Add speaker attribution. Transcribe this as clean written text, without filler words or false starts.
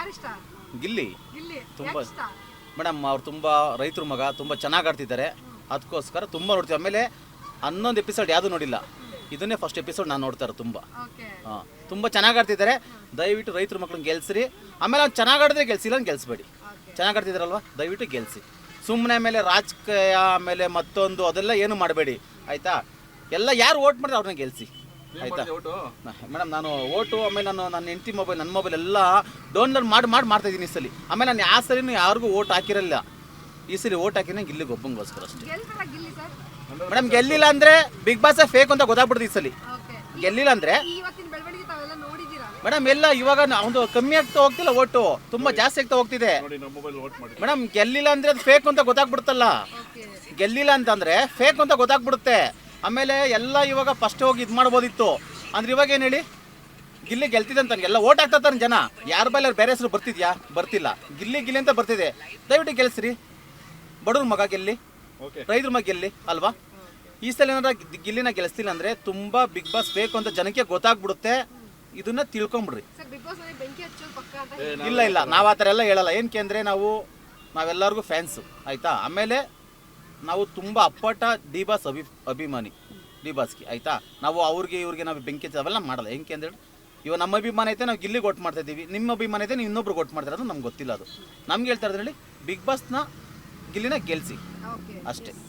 Speaker 1: ಯಾರಿಷ್ಟ?
Speaker 2: ಗಿಲ್ಲಿ
Speaker 1: ಗಿಲ್ಲಿ
Speaker 2: ತುಂಬ
Speaker 1: ಯಾಕೆ ಇಷ್ಟ?
Speaker 2: ಮೇಡಮ್ ಅವ್ರು ತುಂಬ ರೈತರ ಮಗ, ತುಂಬ ಚೆನ್ನಾಗಿ ಆಡ್ತಿದ್ದಾರೆ. ಅದಕ್ಕೋಸ್ಕರ ತುಂಬ ನೋಡ್ತೀವಿ. ಆಮೇಲೆ 11 ಎಪಿಸೋಡ್ ಯಾವುದು ನೋಡಿಲ್ಲ, ಇದನ್ನೇ ಫಸ್ಟ್ ಎಪಿಸೋಡ್ ನಾನು ನೋಡ್ತಾರೆ. ತುಂಬ
Speaker 1: ಓಕೆ
Speaker 2: ಹಾಂ, ತುಂಬ ಚೆನ್ನಾಗಿ ಆಡ್ತಿದ್ದಾರೆ. ದಯವಿಟ್ಟು ರೈತರ ಮಕ್ಳನ್ನ ಗೆಲ್ಸ್ರಿ. ಆಮೇಲೆ ಅವ್ನು ಚೆನ್ನಾಗಿ ಆಡಿದ್ರೆ ಗೆಲ್ಸಿಲ್ಲ ಅಂತ ಗೆಲ್ಸ್ಬೇಡಿ.
Speaker 1: ಓಕೆ
Speaker 2: ಚೆನ್ನಾಗಿ ಆಡ್ತಿದ್ದಾರಲ್ವ, ದಯವಿಟ್ಟು ಗೆಲ್ಸಿ. ಸುಮ್ಮನೆ ಆಮೇಲೆ ರಾಜಕೀಯ ಆಮೇಲೆ ಮತ್ತೊಂದು ಅದೆಲ್ಲ ಏನು ಮಾಡಬೇಡಿ ಆಯಿತಾ. ಎಲ್ಲ ಯಾರು ಓಟ್ ಮಾಡಿದ್ರೆ ಅವ್ರನ್ನ ಗೆಲ್ಸಿ ಆಯಿತಾ. ಮೇಡಮ್ ನಾನು ಓಟು ಆಮೇಲೆ ನನ್ನ ಹೆಂಡತಿ ಮೊಬೈಲ್, ನನ್ನ ಮೊಬೈಲ್ ಎಲ್ಲ ಡೌನ್ಲೋಡ್ ಮಾಡ್ತಾಯಿದ್ದೀನಿ ಈ ಸಲ. ಆಮೇಲೆ ನಾನು ಯಾವ ಸರಿನೂ ಯಾರಿಗೂ ಓಟ್ ಹಾಕಿರಲಿಲ್ಲ. ಈ ಸಲ ಓಟ್ ಹಾಕಿನ ಗಿಲ್ಲಿಗೆ ಒಬ್ಬಂಗೋಸ್ಕರ ಅಷ್ಟೇ.
Speaker 1: ಗೆಲ್ತಾರ ಗಿಲ್ಲಿ ಸರ್?
Speaker 2: ಮೇಡಮ್ ಗೆಲ್ಲಿಲ್ಲ ಅಂದರೆ ಬಿಗ್ ಬಾಸ್ ಫೇಕ್ ಅಂತ ಗೊತ್ತಾಗ್ಬಿಡ್ತು ಈ ಸಲ.
Speaker 1: ಓಕೆ
Speaker 2: ಗೆಲ್ಲಿಲ್ಲ ಅಂದರೆ
Speaker 1: ಇವತ್ತಿನ ಬೆಳವಣಿಗೆ ತಾವೆಲ್ಲ ನೋಡಿದ್ದೀರಾ?
Speaker 2: ಮೇಡಮ್ ಎಲ್ಲ ಇವಾಗ ಒಂದು ಕಮ್ಮಿ ಆಗ್ತಾ ಹೋಗ್ತಿಲ್ಲ, ಓಟು ತುಂಬ ಜಾಸ್ತಿ ಆಗ್ತಾ ಹೋಗ್ತಿದೆ. ಮೇಡಮ್ ಗೆಲ್ಲಿಲ್ಲ ಅಂದರೆ ಅದು ಫೇಕ್ ಅಂತ ಗೊತ್ತಾಗ್ಬಿಡುತ್ತಲ್ಲ.
Speaker 1: ಓಕೆ
Speaker 2: ಗೆಲ್ಲಿಲ್ಲ ಅಂತಂದರೆ ಫೇಕ್ ಅಂತ ಗೊತ್ತಾಗ್ಬಿಡುತ್ತೆ. ಆಮೇಲೆ ಎಲ್ಲ ಇವಾಗ ಫಸ್ಟ್ ಹೋಗಿ ಇದು ಮಾಡ್ಬೋದಿತ್ತು ಅಂದ್ರೆ ಇವಾಗ ಏನು ಹೇಳಿ, ಗಿಲ್ಲಿ ಗೆಲ್ತಿದೆ ಅಂತ ಎಲ್ಲ ಓಟ್ ಹಾಕ್ತಾರೆ ಜನ. ಯಾರ ಬೈಲಿ ಬೇರೆ ಹೆಸರು ಬರ್ತಿದ್ಯಾ? ಬರ್ತಿಲ್ಲ. ಗಿಲ್ಲಿ ಅಂತ ಬರ್ತಿದೆ. ದಯವಿಟ್ಟು ಗೆಲ್ಸ್ರಿ. ಬಡವ್ರ ಮಗ ಗೆಲ್ಲಿ, ರೈತರ ಮಗ ಗೆಲ್ಲಿ ಅಲ್ವಾ. ಈ ಸಲ ಏನಾರ ಗಿಲ್ಲಿನ ಗೆಲ್ಲಿಸ್ತಿಲ್ಲ ಅಂದರೆ ತುಂಬ ಬಿಗ್ ಬಾಸ್ ಬೇಕು ಅಂತ ಜನಕ್ಕೆ ಗೊತ್ತಾಗ್ಬಿಡುತ್ತೆ. ಇದನ್ನ ತಿಳ್ಕೊಂಬಿಡ್ರಿ.
Speaker 1: ಸರ್ ಬಿಗ್ ಬಾಸ್ ನಲ್ಲಿ ಬೆಂಕಿ ಹಚ್ಚೋದು ಪಕ್ಕ ಅಂತ
Speaker 2: ಇಲ್ಲ ನಾವು ಆ ಥರ ಎಲ್ಲ ಹೇಳಲ್ಲ. ಏನಕ್ಕೆ ಅಂದರೆ ನಾವೆಲ್ಲರಿಗೂ ಫ್ಯಾನ್ಸು ಆಯಿತಾ. ಆಮೇಲೆ ನಾವು ತುಂಬ ಅಪ್ಪಟ ಡಿ ಬಾಸ್ ಅಭಿಮಾನಿ ಡಿ ಬಾಸ್ಗೆ ಆಯಿತಾ. ನಾವು ಇವ್ರಿಗೆ ನಾವು ಬೆಂಕಿ ಅವೆಲ್ಲ ಮಾಡಲ್ಲ. ಏನಕ್ಕೆ ಅಂದರೆ ಇವಾಗ ನಮ್ಮ ಅಭಿಮಾನ ಐತೆ ನಾವು ಗಿಲ್ಲಿಗೆ ಓಟ್ ಮಾಡ್ತಾ ಇದ್ದೀವಿ, ನಿಮ್ಮ ಅಭಿಮಾನ ಐತೆ ನೀವು ಇನ್ನೊಬ್ರಿಗೆ ಓಟ್ ಮಾಡ್ತಾರೆ, ಅದು ನಮ್ಗೆ ಗೊತ್ತಿಲ್ಲ. ಅದು ನಮ್ಗೆ ಹೇಳ್ತಾ ಇದ್ರಲ್ಲಿ ಬಿಗ್ ಬಾಸ್ನ ಗಿಲ್ಲಿನ ಗೆಲ್ಸಿ
Speaker 1: ಓಕೆ
Speaker 2: ಅಷ್ಟೇ.